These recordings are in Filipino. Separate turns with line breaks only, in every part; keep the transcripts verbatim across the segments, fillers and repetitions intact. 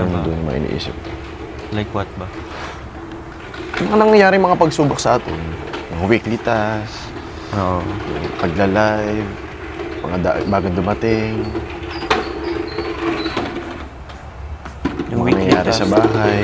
Yun doon yung mga iniisip.
Like what ba?
Yung mga nangyayari mga pagsubok sa atin. Mga weekly tasks,
Oo.
yung pagla-live, mga da- bagong dumating, yung mga
weekly
nangyayari
task.
sa bahay.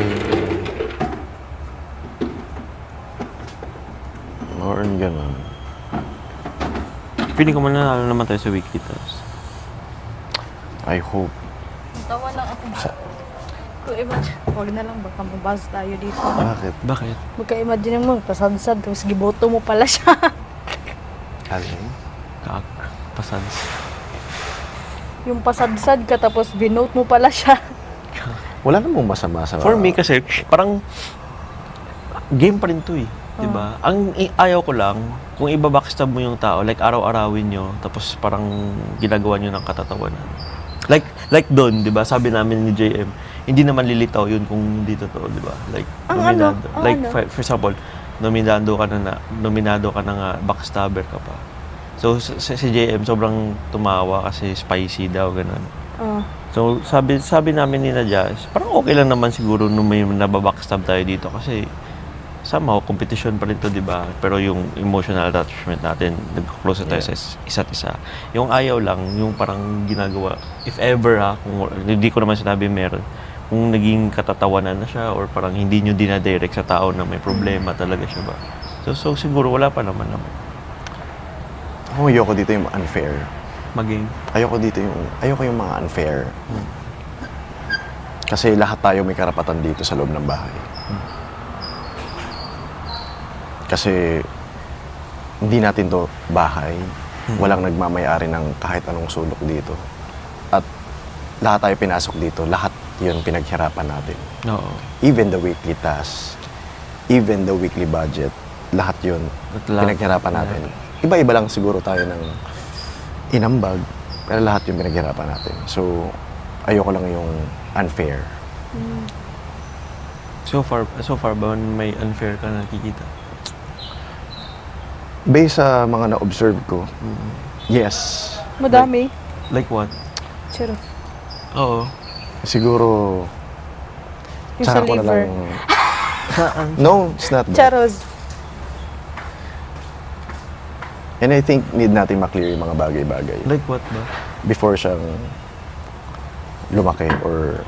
Or gano'n.
Feeling ko mananalo naman tayo sa weekly task.
I hope.
Tawa lang ako. Kung imagine, huwag na lang, baka mabasa tayo dito.
Bakit?
Bakit?
Magka-imagine mo, pasadsad, tapos giboto mo pala siya.
Alin?
Kaak. Pasans.
Yung pasadsad ka, tapos binote mo pala siya.
Wala namang masama sa...
For me kasi, parang game pa rin to eh. Diba? Ang i- ayaw ko lang, kung ibabackstab mo yung tao, like araw-arawin nyo, tapos parang ginagawa nyo ng katatawanan. Like, like doon, di ba? Sabi namin ni J M, hindi naman lilitaw yun kung hindi totoo, di ba? Like,
Ang
nominado.
ano? Ang
like,
ano?
for, for example, nominado ka na, na nominado ka na nga, backstabber ka pa. So, si, si J M sobrang tumawa kasi spicy daw, ganun.
Ah.
So, sabi sabi namin ni Nadia, parang okay lang naman siguro nung may nababackstab tayo dito kasi somehow, competition pa rin to, di ba? Pero yung emotional attachment natin, nag-close tayo
Yeah.
sa is- isa't isa. Yung ayaw lang, yung parang ginagawa, if ever ha, kung hindi ko naman sinabi meron, kung naging katatawanan na siya or parang hindi nyo dinadirect sa tao na may problema talaga siya ba? So, so siguro wala pa naman naman.
Ako, ayoko dito yung unfair.
Maging,
Ayoko dito yung... Ayoko yung mga unfair. Kasi lahat tayo may karapatan dito sa loob ng bahay. Kasi hindi natin to bahay. Walang nagmamayari ng kahit anong sulok dito. At lahat tayo pinasok dito. Lahat yun pinaghirapan natin.
oo.
Even the weekly tasks, even the weekly budget, lahat yun
At lahat-
pinaghirapan natin. Iba-iba lang siguro tayo ng inambag, pero lahat yung pinaghirapan natin. So, ayoko lang yung unfair.
So far, so far ba may unfair ka nakikita?
Based sa mga na-observe ko, yes.
Madami.
Like what?
Charo.
Oo.
Siguro,
Yung sa
tsaka ko na
liver.
lang... No, it's not that.
Charos.
And I think need natin maklear yung mga bagay-bagay
Like what ba?
before siyang lumaki or...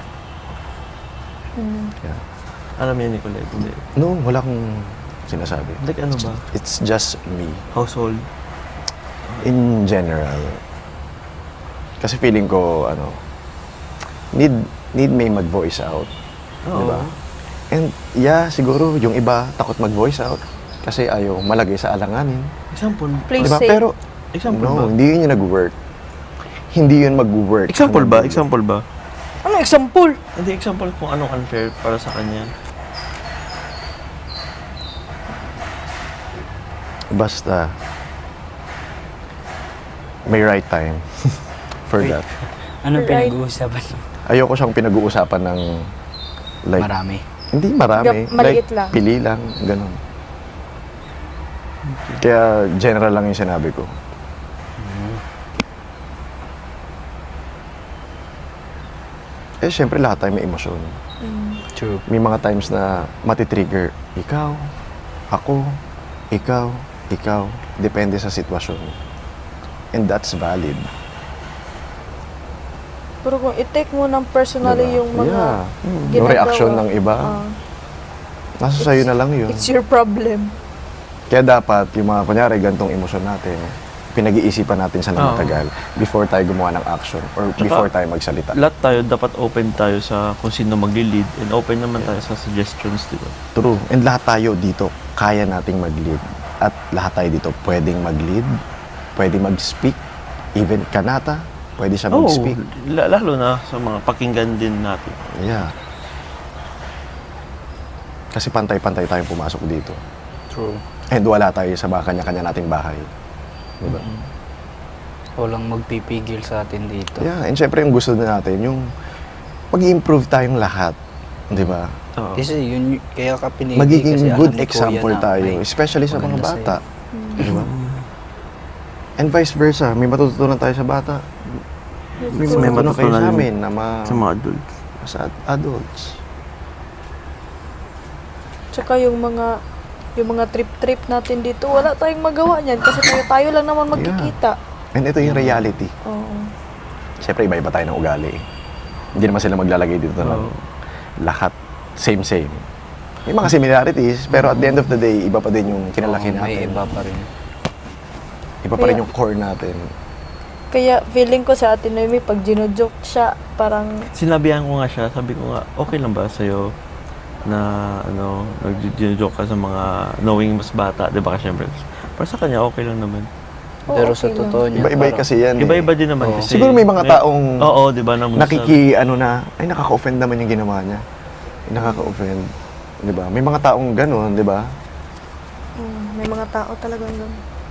Yeah.
Alam yan, Nicolette, hindi.
No, wala akong sinasabi.
Like ano ba?
It's just me.
Household.
In general. Kasi feeling ko, ano, need, need may mag-voice out.
Oo.
Di ba? And yeah, siguro yung iba takot mag-voice out kasi ayaw malagay sa alanganin.
Example.
Please
Di ba?
say.
Pero,
Example
no,
ba?
hindi yun yung nag-work. Hindi yun mag-work.
Example ba?
Hanggang dulo.
Example ba?
Ano example?
Hindi, example kung anong unfair para sa kanya.
Basta, may right time for
Wait.
that.
Ano
Right.
pinag-uusapan?
Ayoko siyang pinag-uusapan ng like,
Marami.
hindi marami.
Gap- maliit
like,
lang.
Pili lang, ganun. Kaya general lang yung sinabi ko. Eh, syempre lahat tayo may emosyon.
True.
May mga times na matitrigger, ikaw, ako, ikaw, ikaw. Depende sa sitwasyon. And that's valid.
Pero kung i-take mo ng personally
Diba?
yung mga
Yeah. Yung
ginagawa,
reaction ng iba,
ah,
nasa sa'yo na lang yun.
it's your problem.
Kaya dapat, yung mga, kunyari, gantong emosyon natin, pinag-iisipan natin sa
Oo.
matagal before tayo gumawa ng action or
Tsaka,
before tayo magsalita.
Lahat tayo, dapat open tayo sa kung sino magli-lead and open naman tayo sa suggestions, di ba?
True. And lahat tayo dito, kaya nating mag-lead. At lahat tayo dito, pwedeng mag-lead, pwedeng mag-speak, even kanata, pwede siya
Oo,
mag-speak.
la- lalo na sa mga pakinggan din natin.
Yeah. Kasi pantay-pantay tayong pumasok dito.
True.
And wala tayo sa mga kanya-kanya nating bahay. Diba?
Walang magpipigil sa atin dito.
Yeah, and syempre yung gusto na natin, yung mag-improve tayong lahat. Di ba?
Oo.
Kasi yun, y- kaya ka pinili
Magiging
kasi alam
good
ni Kuya
example
na
tayo,
may
especially sa mga
maganda
bata.
sa'yo.
Di ba? And vice versa, may matututunan tayo sa bata. May
May
matutunan kayo
matutunan
sa amin na ma...
Sa mga adults.
as ad- adults.
Tsaka yung mga yung mga trip-trip natin dito, wala tayong magawa niyan kasi tayo tayo lang naman magkikita.
And ito yung reality.
Oo.
Siyempre, iba-iba tayo ng ugali. eh. Hindi naman sila maglalagay dito ng
Oo.
lahat same-same. May mga similarities, pero at the end of the day, iba pa din yung kinalaki
Oo,
natin.
may iba pa rin.
Iba pa rin
Kaya-
yung core natin.
Kaya feeling ko sa Ate Noemi, pag ginojoke siya, parang
Sinabihan ko nga siya, sabi ko nga, okay lang ba sa'yo na ano, nag-joke ka sa mga knowing mas bata, di ba? Kasi syempre, para sa kanya, okay lang naman.
Oo,
Pero
okay
sa
lang.
totoo niya,
Iba-iba
parang-
kasi yan. eh.
Iba-iba din naman
Oo.
kasi.
Siguro may mga taong
Oo, di ba? Na
nakiki, ano na, ay nakaka-offend naman yung ginawa niya. Ay, nakaka-offend. Di ba? May mga taong gano'n, di ba?
Mm, may mga tao talagang ganun.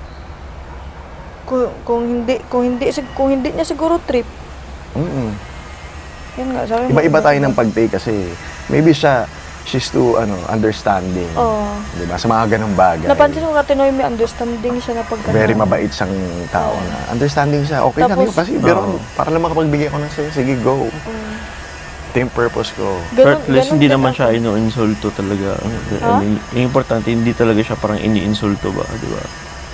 Kung, kung hindi kung hindi sig- kung hindi niya siguro trip.
Mm-mm.
Yan nga, sabi mo.
Iba-iba tayo ng pag-take kasi maybe siya, she's too, ano, understanding.
Oo.
Di ba? Sa mga ganong bagay.
Napansin ko Ate Noemi, understanding siya na pag
Very mabait siyang tao na. Understanding siya. Okay lang
Tapos-
yun kasi, pero
Oo.
para lang makapagbigay ko ng sayo, sige, go.
Mm.
Ito yung purpose ko.
Ganun,
Heartless,
ganun
hindi
din
naman
ako.
siya ino-insulto talaga.
Ha?
Ano, yung importante, hindi talaga siya parang ini-insulto ba, di ba?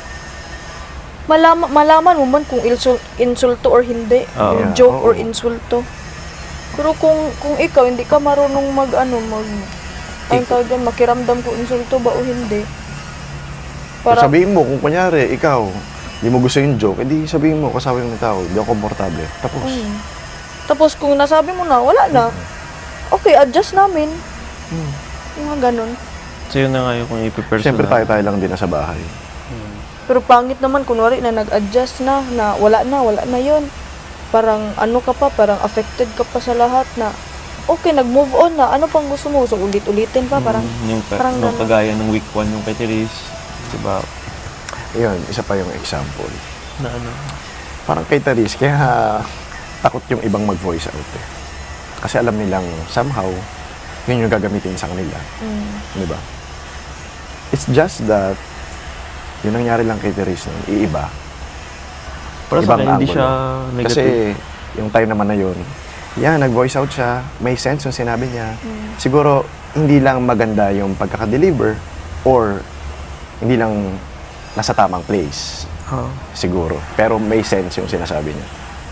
Malaman, malaman mo man kung insul, insulto or hindi.
Oo.
Yung
Yeah,
joke
oo.
or insulto. Pero kung kung ikaw hindi ka marunong mag ano mag ang tawag doon, makiramdam kung insulto ba o hindi.
Para, sabihin mo, kung kunyari, ikaw, hindi mo gusto yung joke, edi sabihin mo, kasama yung tao, hindi ako komportable. Tapos,
Mm. Tapos kung nasabi mo na, wala na. Okay, adjust namin.
Hmm.
Yung mga ganun.
So yun na nga yung kung ipipersonal.
siyempre tayo-tayo lang din nasa bahay.
Hmm.
Pero pangit naman, kunwari na nag-adjust na, na wala na, wala na yon. Parang ano ka pa, parang affected ka pa sa lahat na, okay, nag-move on na, ano pang gusto mo? So ulit-ulitin pa, parang,
Mm, yung, ka,
parang
nung
ganun.
kagaya ng week one yung kay Therese, di ba?
Ayun, isa pa yung example.
Na ano,
Parang kay Therese, kaya takot yung ibang mag-voice out eh. Kasi alam nilang somehow, yun yung gagamitin sa kanila.
mm,
Di ba? It's just that, yun nangyari lang kay Therese nun, iiba.
para sa
Ibang
akin, hindi
angulo.
siya negative.
Kasi yung time naman na yun, yan, nag-voice out siya, may sense yung sinabi niya.
mm.
Siguro, hindi lang maganda yung pagkakadeliver or hindi lang nasa tamang place.
Oo.
Siguro. Pero may sense yung sinasabi niya.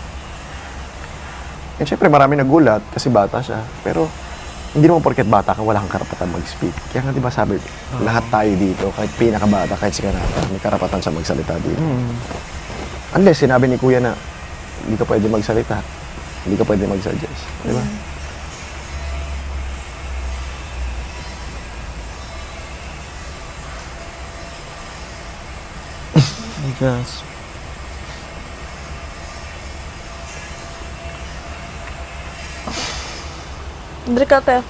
And syempre, marami nagulat kasi bata siya. Pero, hindi naman porket bata ka, wala kang karapatan mag-speak. Kaya nga, di ba sabi, lahat tayo dito, kahit pinakabata, kahit si Kanata, may karapatan sa magsalita dito.
Mm.
Unless, sinabi ni Kuya na, hindi ka pwede magsalita. Hindi ka pwede mag-suggest. Di ba?
I guess.
Andre ka tayo.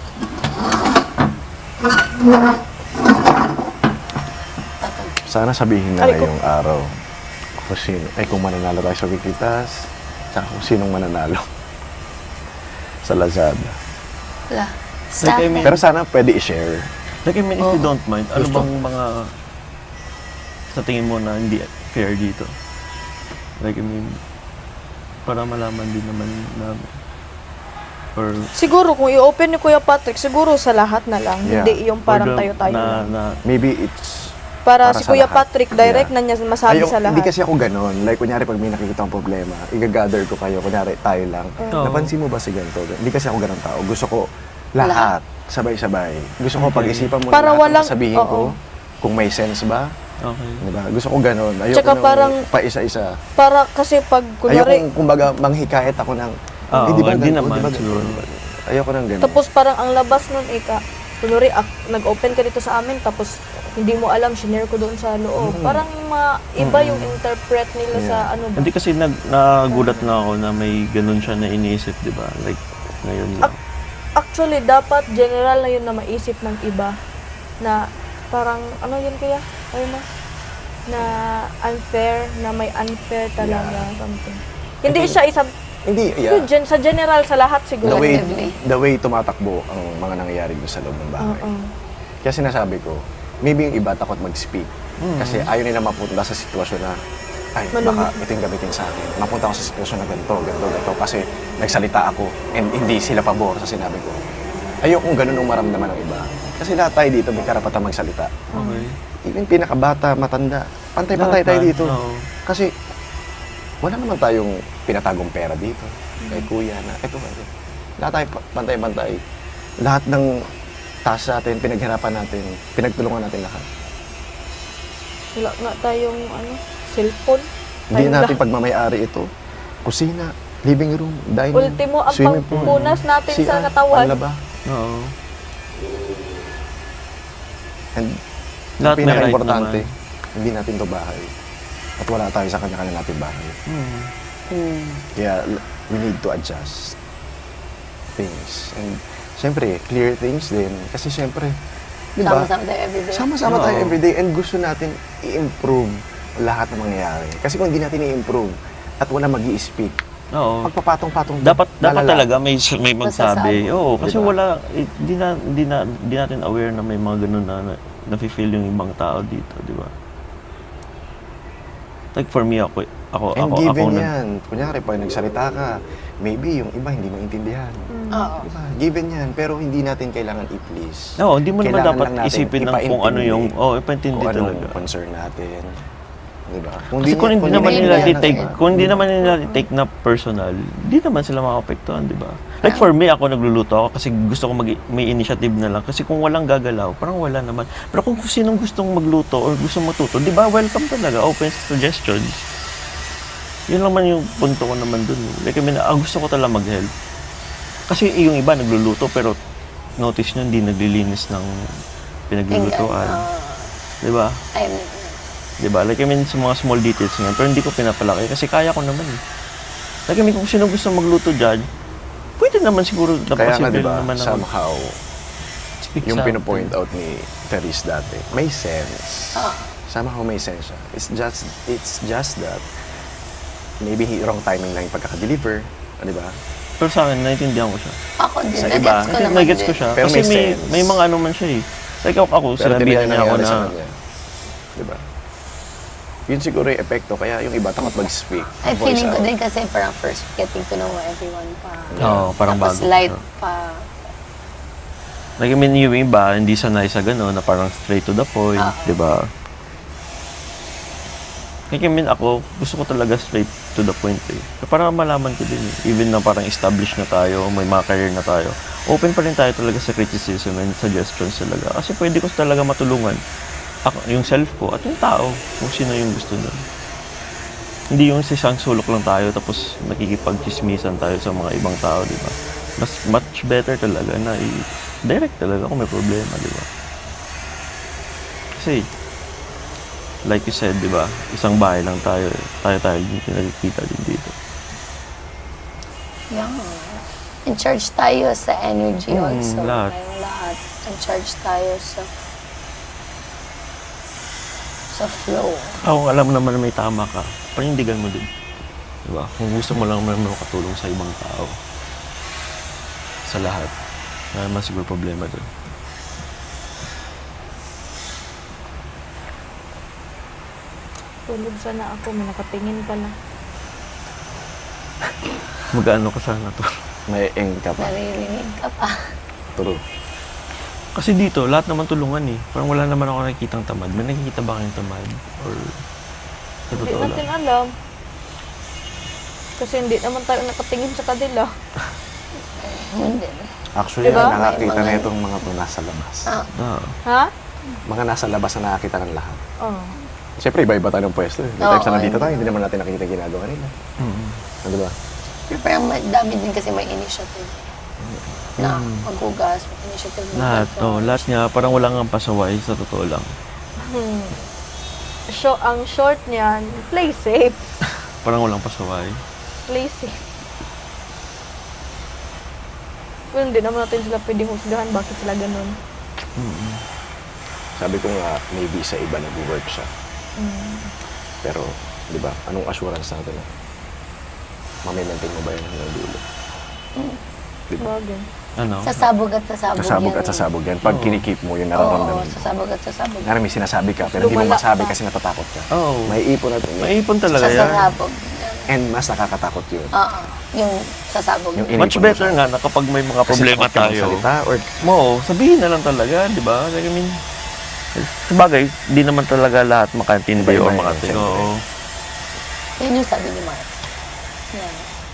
Sana sabihin na
Ay, ko-
ngayong araw kung sino, ay kung mananalo tayo sa Wikitas, tsaka kung sinong mananalo sa Lazada.
Wala.
Like, I mean,
Pero sana pwede i-share.
like, I mean, if you don't mind, ano
Gusto.
bang mga sa tingin mo na hindi fair dito? Like, I mean, para malaman din naman namin. Or,
Siguro, kung i-open ni Kuya Patrick, siguro sa lahat na lang.
Yeah.
Hindi yung parang
or the-
tayo-tayo
na,
lang.
na,
Maybe it's
Para,
para
si
sa
Kuya
lahat.
Patrick, direct
Yeah.
na niya masabi
Ayaw-
sa lahat.
Hindi kasi ako ganun. Like, kunyari, pag may nakikita akong problema, i-gather ko kayo. Kunyari, tayo lang.
Oo.
Napansin mo ba si ganito? Hindi kasi ako ganun tao. Gusto ko lahat, sabay-sabay. Gusto ko pag-isipan mo
Para
lahat
walang-
ang sabihin ko.
oo.
Kung may sense ba.
okay.
Diba? Gusto ko ganun. Ayoko
Tsaka
nang
parang-
pa-isa-isa.
Para kasi pag,
Ayoko,
kunwari,
kumbaga, manghikayat ako ng,
Oo,
"Eh, di ba
hindi
ganito?
naman,
Di ba
siguro.
ganito?" Ayoko nang ganun.
tapos parang ang labas nun, ika, kunwari, ak- nag-open ka dito sa amin, tapos hindi mo alam, shinare ko doon sa loob. Parang ma- iba yung interpret nila sa
Yeah.
ano ba.
Hindi kasi nag, nagulat na ako na may ganun siya na iniisip, di ba? Like, ngayon lang.
Actually, dapat general na yun na maisip ng iba na parang, ano yun kaya? Ay mo? Na unfair, na may unfair talaga. Something. Hindi siya isang,
Hindi,
yun,
yeah.
gen, sa general, sa lahat
The
siguro.
way,
Collectively.
the way tumatakbo ang mga nangyayari doon sa loob ng bahay.
Oo.
Kaya sinasabi ko, maybe yung iba takot mag-speak. Kasi ayaw nila mapunta sa sitwasyon na ay,
Malungkot.
baka ito yung gamitin sa akin. Mapunta ako sa sitwasyon na ganito, ganito, ganito. Kasi nagsalita ako and hindi sila pabor sa sinabi ko. Ayokong ganun ang maramdaman ng iba. Kasi lahat tayo dito may karapatan magsalita.
Okay.
Even pinakabata, matanda, pantay-pantay tayo
Lahat
dito.
na, oo.
Kasi wala naman tayong pinatagong pera dito. Kay kuya na, eto, eto. Lahat tayo pa- pantay-pantay. Lahat ng task natin, pinaghirapan natin, pinagtulungan natin lahat.
Wala nga tayong ano, cellphone.
Hindi
Tayong
natin
lahat.
pagmamayari ito. Kusina, living room, dining,
Ultimo, ang
swimming pool,
pangpunas natin
C R,
sa katawan.
panlaba.
Oo.
And
Lahat
ang
may right
pinaka-importante,
naman.
hindi natin to bahay. At wala tayo sa kanya-kanya natin bahay.
Hmm.
Kaya l- we need to adjust things. And syempre, clear things din. Kasi syempre, di ba?
Sama-sama tayo everyday.
Sama-sama tayo
Oo.
everyday and gusto natin i-improve lahat ng mangyayari. Kasi kung hindi natin i-improve at wala mag speak
Oo.
pagpapatong-patong
Dapat dapat
lalala.
talaga may may magsabi.
Masasabi.
Oo, kasi
Diba?
wala hindi na hindi na hindi natin aware na may mga ganun na, na nafe-feel yung ibang tao dito, di ba? Like for me ako ako
And
ako
given
ako nag-
yan. Kunyari, pag nagsalita ka, maybe yung iba hindi maintindihan.
Oo.
Diba? Given yan. Pero hindi natin kailangan i-please.
Oo, hindi mo naman
Kailangan
dapat
lang natin
isipin ng kung ano yung
ipaintindi.
oh, ipaintindi
Kung anong
talaga.
concern natin. Diba?
Kasi kung hindi naman
hindi
nila
nila
i-take,
naman.
kung hindi naman nila i-take na personal, hindi naman sila makapektuhan, di ba? Like for me, ako nagluluto ako kasi gusto ko mag may initiative na lang. Kasi kung walang gagalaw, parang wala naman. Pero kung sinong gustong magluto or gustong matuto, di ba, welcome talaga, open suggestions. Yun lang man yung punto ko naman dun. eh. Like, I mean, ah, gusto ko talaga mag-help. Kasi yung iba nagluluto, pero notice nyo, hindi naglilinis ng pinaglulutuan.
Ah,
Di ba?
I'm,
Di ba? Like, I mean, sa mga small details nga, pero hindi ko pinapalaki kasi kaya ko naman eh. Like, I mean, kung sino gusto magluto dyan, pwede naman siguro,
Kaya nga,
napasibil
diba,
naman ng
somehow,
speak
yung
something.
pinopoint out ni Teres dati, may sense.
ah,
Somehow may sense siya. It's just, it's just that, maybe he- wrong timing lang yung pagkaka-deliver. ah, Di ba?
Pero sa akin, naiintindihan ko siya.
ako din.
Sa
Nagets
iba,
ko naman
Nagets ko
din.
siya.
Pero
kasi
may
may,
sense.
may mga ano man siya eh. Like ako, ako
Pero
sinabihan
tinanong
niya ako
nangyari
na,
sa kanya. Di ba? Yun siguro yung epekto, kaya yung iba takot mag-speak.
Ay,
voice
feeling ko
out.
din kasi parang first getting to know everyone pa.
Oo, parang
Tapos
bago.
light
siya.
pa.
Like, I mean, yung iba, hindi sanay sa gano'n, na parang straight to the point,
Ah.
di ba? Like, I mean, ako, gusto ko talaga straight to the point eh. Para malaman ko din eh. Even na parang established na tayo, may mga career na tayo, open pa rin tayo talaga sa criticism and suggestions talaga. Kasi pwede ko talaga matulungan ako, yung self ko at yung tao, kung sino yung gusto nun. Hindi yung sa isang sulok lang tayo tapos nakikipag-chismisan tayo sa mga ibang tao, di ba? Mas much better talaga na i-direct talaga kung may problema, di ba? Kasi, like you said, di ba? Isang bahay lang tayo. eh. Tayo-tayo din pinagkikita din dito.
Yeah. In charge tayo sa energy
Mm,
also.
lahat.
Tayong lahat. In charge tayo sa sa flow.
Ako, alam mo naman na may tama ka. Panindigan mo din. Di ba? Kung gusto mo lang naman makatulong sa ibang tao. Sa lahat. Wala naman siguro problema doon.
Tulog sana ako, may nakatingin pala.
Mag-ano ka sana to.
May eng ka pa.
Naririnig ka pa.
True.
Kasi dito, lahat naman tulungan eh. Parang wala naman ako nakikitang tamad. May nakikita ba kayong tamad? Or sa
Hindi
totoo
natin
lang?
alam. Kasi hindi naman tayo nakatingin sa kanila.
Hindi.
Actually,
Diba?
ang nakakita
May
na
mga-
itong mga to nasa labas.
Ah,
Ah.
Ha?
Mga nasa labas na nakakita ng lahat.
Oh.
Siyempre, iba-iba tayo ng pwesto. Eh. May
Oo,
times na nandito
oo.
tayo, hindi naman natin nakikita yung ginagawa nila.
Mm.
Ano ba?
pero parang may- dami din kasi may initiative. Na maghugas, may initiative.
Lahat,
magluto.
oh, lahat nga, parang wala nga pasaway sa totoo lang.
Hmm. So, ang short niyan, play safe.
Parang walang pasaway.
Play safe. Pero hindi naman natin sila pwedeng husgahan bakit sila ganun.
Mm.
Sabi ko nga, maybe sa iba nag-work siya.
Mm.
Pero, di ba, anong assurance natin na mamimaintain mo ba yan hanggang dulo? Di ba?
Bagay.
Ano?
Sasabog at sasabog
Sasabog
yan
at
eh.
sasabog yan. Pag kinikip mo, yun
Oo,
nararamdaman mo.
sasabog at sasabog.
Nga may sinasabi ka, pero hindi mo
Lumala
masabi
ka.
kasi natatakot ka.
Oo.
May ipon at
Maipon talaga yan.
Sasabog.
And mas nakakatakot yun.
Oo, yung sasabog.
Yung
Much
inipon mo
better
siya.
nga na kapag may mga
Kasi
problema
takot ka
tayo.
magsalita or
Mo, sabihin na lang talaga, di ba? Like, I mean, sabagay, di naman talaga lahat makantindi
Iba-iba
o
yun,
makating.
siyempre.
Oo.
Yun yung sabi ni Mark. Yan.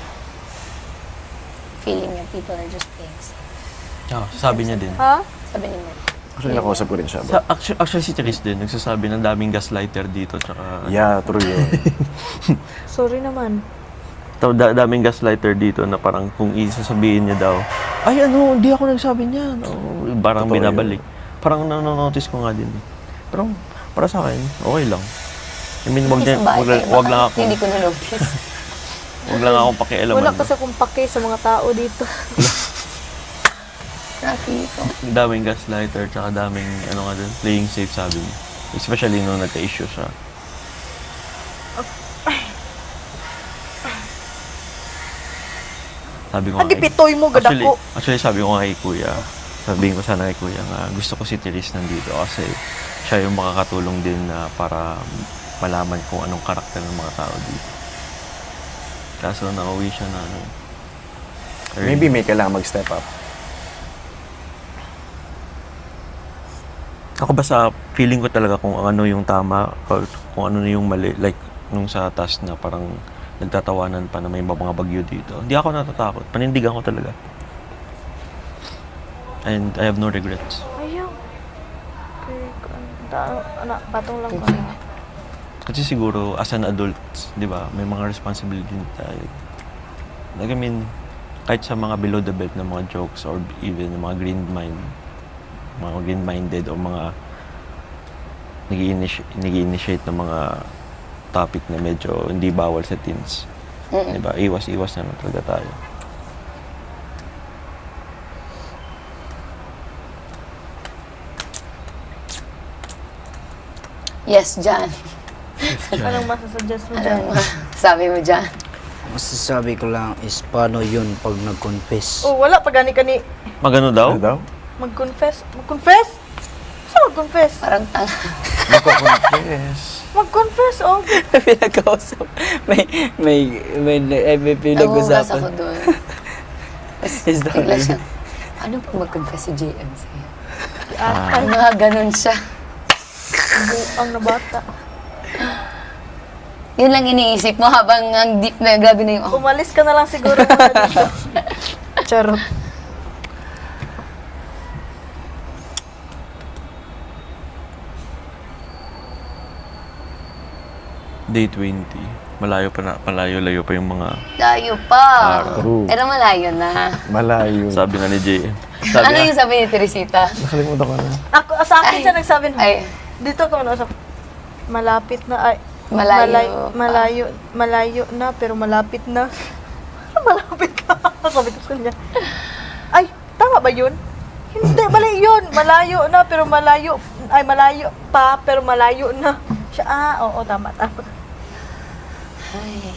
Feeling niya people are just playing safe.
Ah, sabi niya din.
Ha?
Sabi ni Mark.
actually nakausap ko rin siya.
Sa, actually, actually, si Therese din, nagsasabi ng daming gaslighter dito. Tsaka,
Yeah, true yun.
Sorry naman.
Ta- da- daming gaslighter dito na parang kung isasabihin niya daw, ay ano, hindi ako nagsabi niyan. Oh, parang
Totoo
binabalik. Parang nanonotice ko nga din. Pero para sa akin, okay lang. I mean, wag, niya,
Isang bahay
wag, lang-
kayo,
wag
baka
lang ako,
Hindi ko na-notice.
wag lang akong pakialaman.
Wala kasi akong pake sa mga tao dito.
Grabe ito.
Daming gaslighter, tsaka daming, ano nga din, playing safe sabi niya. Especially nung nagka-issue siya. Sabi ko nga
Adi
kay-
pitoy mo gad
actually,
ako.
actually, sabi ko nga kay Kuya, sabihin ko sana kay Kuya nga, gusto ko si Therese nandito kasi siya yung makakatulong din na para malaman kung anong karakter ng mga tao dito. Kaso nauwi siya na ano. early.
Maybe may kailangan mag-step up.
Ako ba sa feeling ko talaga kung ano yung tama or kung ano yung mali, like nung sa task na parang nagtatawanan pa na may mga bagyo dito. Hindi ako natatakot. Panindigan ko talaga. And I have no regrets.
Ayaw. Okay, ano, anak, patong lang ko na.
Kasi siguro as an adult, 'di ba, may mga responsibility din tayo. Like I mean, kahit sa mga below the belt na mga jokes or even mga green mind, mga green-minded o mga nag-i-initiate ng mga topic na medyo hindi bawal sa teens.
Mm-mm.
Diba? Iwas-iwas na lang talaga tayo.
Yes, John.
Anong masasuggest mo dyan?
Anong sabi mo dyan?
Masasabi ko lang is paano yun pag nag-confess.
Oh, wala pa gani kani.
Magano daw?
Ano daw?
Mag-confess. Mag-confess? Saan mag-confess?
Parang tanga.
Magko-confess.
Mag-confess, oh.
Pinag-kausap. May, may, may, may, may
Nagugas ako
pinag-usapan.
doon.
Is that
Bigla siya, paano pag mag-confess si J M sa'yo?
Ah, ay,
Mga ganun siya.
ang nabata.
Yun lang iniisip mo habang ang deep na grabe na yung, oh,
Umalis ka na lang siguro muna dito. Charot.
Day twenty. Malayo pa na, malayo-layo pa yung mga
layo pa.
True.
Pero malayo na.
Malayo.
sabi nga ni J M. Sabi
Ano
nga,
yung sabi ni Teresita?
Nakalimutan ko na.
Ako, sa akin
Ay.
siya nagsabi na,
Ay,
dito ko sa malapit na, ay,
Malayo
malay-
pa.
malayo, malayo na, pero malapit na. Malapit ka. Sabi ko sa kanya, ay, tama ba yun? Hindi, mali yun. Malayo na, pero malayo, ay, malayo pa, pero malayo na. Siya, ah, oo, tama, tama.
ay.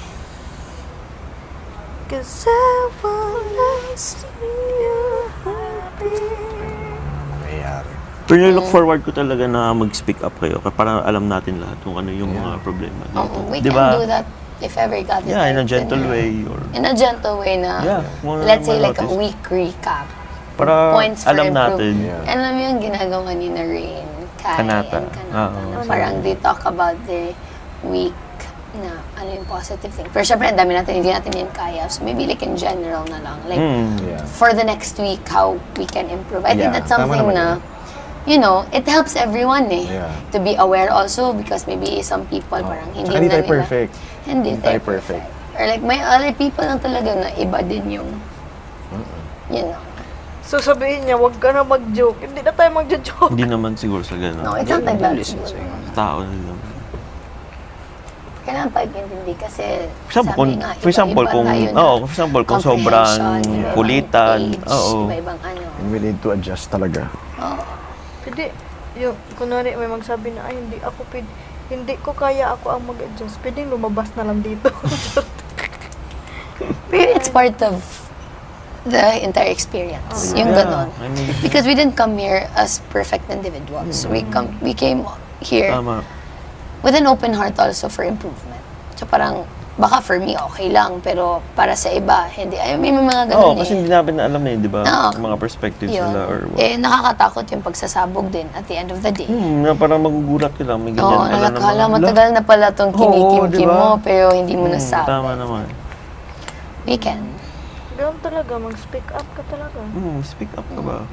Cause I wanna see you happy.
Nangyayari.
pero look forward ko talaga na mag-speak up kayo para alam natin lahat kung ano yung mga problema dito.
Oo, we
Di
can
ba?
do that if ever got it.
Yeah, in a
right,
gentle
ganun.
way or
In a gentle way na,
Yeah, more-
let's say
more
like a
notice.
week recap.
para
Points for
alam natin.
improvement.
Yeah.
Alam mo yung ginagawa ni na Rain, Kai,
Kanata.
and Kanata.
Oo.
na parang they talk about the week na ano yung positive thing. Pero syempre, ang dami natin, hindi natin yan kaya. So maybe like in general na lang. Like,
Mm.
Yeah.
for the next week, how we can improve. I think
Yeah,
that's
tama
something
naman
na, you know, it helps everyone eh.
Yeah.
To be aware also because maybe some people parang hindi
Tsaka hindi
na
tayo
nila.
perfect.
Hindi
Hindi
tayo
tayo perfect.
Or like may other people lang talaga na iba din yung, you know.
So sabihin niya, wag ka na mag-joke. Hindi na tayo mag-joke.
Hindi naman siguro sa gano'n.
No, it's not like that.
Listen sa'yo.
Tao na naman.
Kailangan pag-intindi kasi
For example, kung,
sabi nga,
for example,
iba-iba
kung,
tayo na
oh, for example, kung sobrang
comprehension, iba-ibang
kulitan,
age,
oo.
iba-ibang ano.
And we need to adjust talaga.
Oo.
Hindi, yung, kunwari may magsabi na, ay, hindi ako pwede, hindi ko kaya ako ang mag-adjust. Pwedeng lumabas na lang dito.
Pero it's part of the entire experience. Yung
Yeah,
ganon.
I mean,
Because we didn't come here as perfect individuals. We come we came here
tama.
with an open heart also for improvement. So parang, baka for me, okay lang. Pero para sa iba, hindi. Ay, may mga
Oo,
ganun
kasi
eh.
hindi namin alam eh, di ba?
Oo.
Mga perspectives
Yun.
nila or what.
Eh, nakakatakot yung pagsasabog din at the end of the day.
Hmm, na parang magugulat ka lang. May ganyan
Oo,
pala
nakakala,
naman.
matagal na pala tong
Oo,
kinikim-kim
diba?
mo, pero hindi mo
Hmm,
nasabi.
tama naman.
We can.
Ganun talaga, mag-speak up ka talaga.
Hmm, speak up ka ba?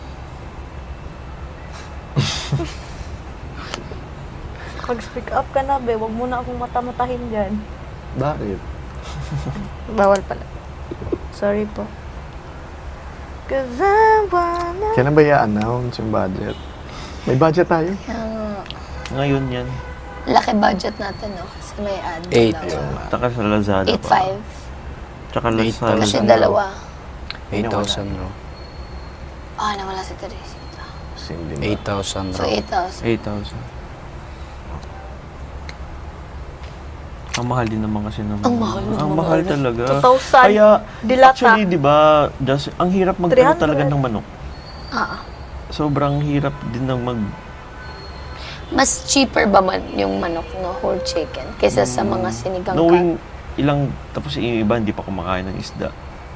Mag-speak up ka na, be. Huwag mo na akong mata-matahin dyan.
Bakit?
Bawal pala. Sorry po. Cause I wanna...
Kailan ba i-announce yung budget? May budget tayo.
Kaya,
Ngayon yan.
laki budget natin, no? Kasi may ad.
Eight.
dalawa.
Taka sa Lazada
eight
pa.
five.
Tsaka
Eight
Lazada.
Kasi
Thousand
dalawa.
eight thousand raw.
Ah, nawala si Teresita.
Hindi ba?
eight thousand
So,
raw.
eight thousand.
eight thousand. Ang mahal din naman kasi naman.
Ang mahal ng
Ang
mga
mahal
ano.
talaga.
two thousand.
Kaya,
Dilata.
actually, di ba, just, ang hirap magkano
three hundred.
talaga ng manok.
Ah,
Sobrang hirap din ng mag...
mas cheaper ba man yung manok, no? Whole chicken. Kaysa sa mga sinigang
Knowing ilang, tapos yung iba hindi pa kumakain ng isda.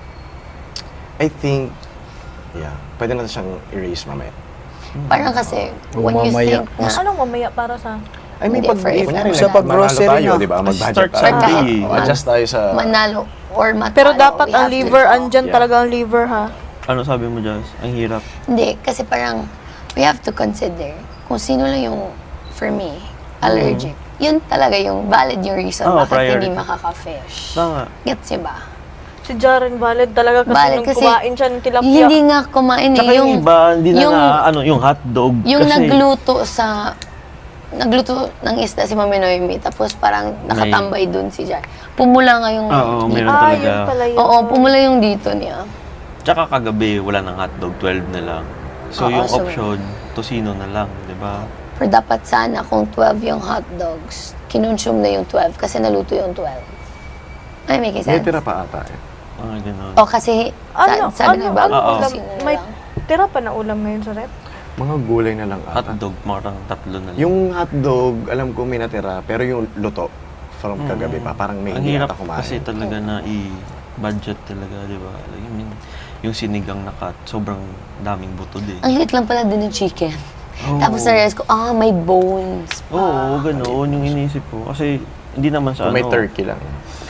I think, yeah, pwede natin siyang erase mamaya.
ka. Parang kasi, when you
Mamaya,
think na,
Anong mamaya para sa...
I mean,
Hindi,
pag,
for
eh,
if-
kunyari,
sa
nag-
pag-grocery
manalo tayo,
na.
di ba? Mag-budget
Start sa
tayo.
day.
O, adjust tayo sa...
manalo or matalo.
Pero dapat
we
ang
have to-
liver, andyan
Yeah.
talaga ang liver, ha?
Ano sabi mo, Jazz? Ang hirap.
Hindi, kasi parang, we have to consider kung sino lang yung, for me, allergic. Yun talaga yung valid yung reason
Oo,
bakit hindi
priority.
makaka-fish.
Tama.
Gets niyo ba?
Si Jaren valid talaga kasi
Valid
nung
kasi
kumain siya ng tilapia.
Hindi nga kumain eh.
Tsaka yung, iba, hindi na,
yung,
na ano, yung hotdog.
yung
kasi,
nagluto sa, nagluto ng isda si Mami Noemi, tapos parang nakatambay dun si Jar. Pumula nga yung
Oo,
dito.
meron
Ah,
talaga.
yun pala yun.
Oo, pumula yung dito niya.
Tsaka kagabi, wala ng hotdog, twelve na lang. So,
Oo,
yung
so-
option, tosino na lang, di ba?
Pero dapat sana kung twelve yung hot dogs, kinonsume na yung twelve kasi naluto yung twelve. Ay, make
May
sense?
tira pa ata eh.
Mga ganun.
O kasi,
Ano,
sa, sabi
ano,
ng bago,
Oo.
ulam?
sino na
May
lang.
tira pa na ulam ngayon sa rep?
Mga gulay na lang ata.
Hotdog, marang tatlo na lang.
Yung hotdog, alam ko may natira, pero yung luto from
Mm.
kagabi pa, parang may
Ang
hindi
hirap
ata kumain.
kasi talaga na i-budget talaga, di ba? Like, I mean, yung sinigang na cut, sobrang daming buto din.
Ang hit lang pala din yung chicken.
Oo.
Tapos na-realize ko, ah, may bones pa.
Oo, ganoon yung inisip ko. Kasi hindi naman sa
Kung may
ano.
turkey lang.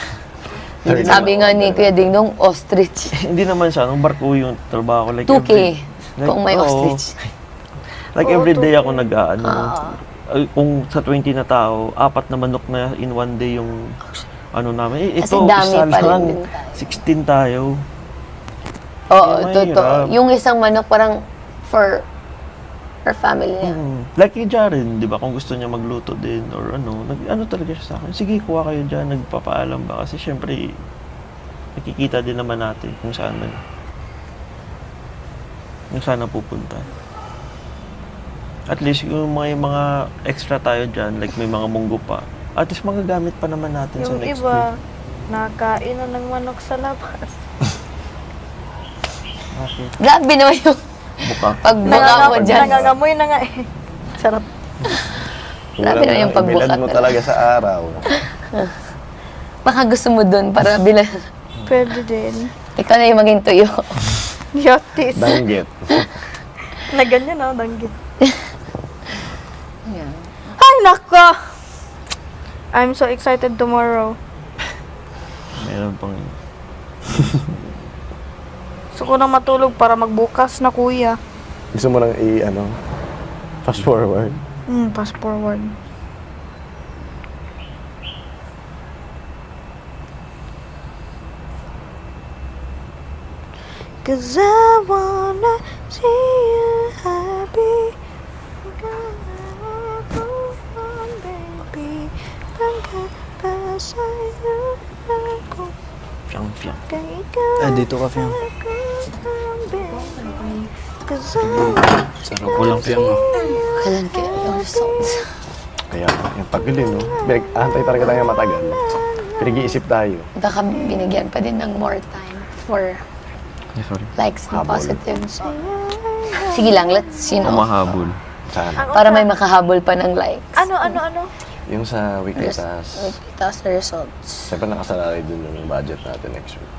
Sabi nga ni Kuya Ding Dong, ostrich.
Hindi naman sa anong barko yung trabaho ko. Like
two K
every- like,
kung may
oo.
ostrich.
Like
Oo,
every day
two K.
ako nag-ano.
Ah.
Ay, kung sa twenty na tao, apat na manok na in one day yung ano namin. Eh,
Kasi
ito,
dami
isa
pa rin
lang.
din tayo.
sixteen tayo.
Oo,
Kaya
totoo.
mahirap.
Yung isang manok parang for for family niya.
Mm. Like kay Jaren, di ba? Kung gusto niya magluto din or ano, nag, ano talaga siya sa akin. Sige, kuha kayo dyan. Nagpapaalam ba? Kasi syempre, nakikita din naman natin kung saan na, kung saan na pupunta. At least yung mga, yung mga extra tayo dyan, like may mga munggo pa, at least magagamit pa naman natin sa
Yung
next
iba,
week.
nakain na ng manok sa labas.
Bakit?
Grabe naman yung
Buka.
pagbuka mo
Nangangam-
dyan.
Nangangamoy na nga eh. Sarap.
Grabe na yung pagbuka
Ibilad mo
talaga.
talaga sa araw.
Baka gusto mo dun para bilang
Pwede din.
ikaw na yung maging tuyo.
Yotis.
Danggit.
Na ganyan oh, danggit.
Yeah.
Ay, nako! I'm so excited tomorrow.
Meron pang...
Gusto ko na matulog para magbukas na, kuya.
Gusto mo nang i, ano, fast forward.
Hmm, fast forward. Cause I wanna see you happy. Baby, pagkapasa'yo ako
Fiyang, fiyang.
kay ikaw.
Ah, dito ka, Fiang.
Cause I
Sarap ko lang, Fiang. ah.
Kailan kaya yung results?
Kaya, yung tagal din, no? Antay talaga tayo matagal. Pinag-iisip tayo.
Baka binigyan pa din ng more time for
Yeah, sorry.
likes and
Habol.
positives. Sige lang, let's, you know,
Umahabol.
Sana.
Ang
para
usa-
may makahabol pa ng likes.
Ano, ano, ano?
Yung sa weekly
Res-
task,
Tapos the results.
siyempre nakasalalay dun yung budget natin next week.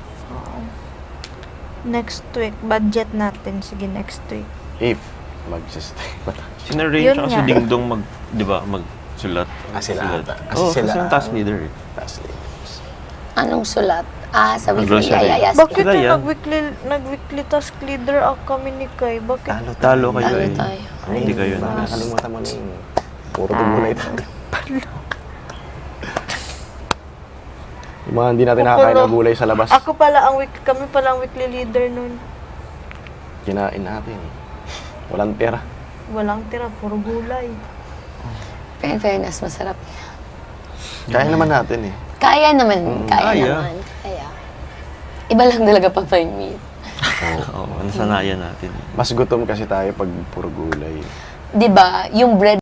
Next week, budget natin. Sige, next week.
If mag-stay pa tayo.
Sinarrange
Yun
ako
nga.
si Dingdong mag, di ba, magsulat.
Ah, sila
Sulat.
ata. Kasi
Oo,
sila
kasi yung task leader eh.
Task leaders.
Anong sulat? Ah, sa
Ang
weekly.
grocery.
Yeah, yeah, yes.
Bakit
Sila
yung
yan.
nag-weekly, nag-weekly task leader ako kami ni Kai? Bakit?
Talo tayo.
Talo kayo
Talo
eh.
tayo.
Ay, hindi kayo na.
Nakakalimutan mo na yung puro tugulay tayo. Yung mga hindi natin
Ako
nakakain
pala.
ng gulay sa labas,
Ako pala ang week, kami pala ang weekly leader nun.
kinain natin. Walang pera.
Walang tira, puro gulay.
Pero in fairness, masarap.
Kaya naman natin eh.
Kaya naman, kaya
kaya.
naman. Kaya. Iba lang talaga pag may meat.
Oo, nasanayan natin.
Mas gutom kasi tayo pag puro gulay.
Di ba, yung bread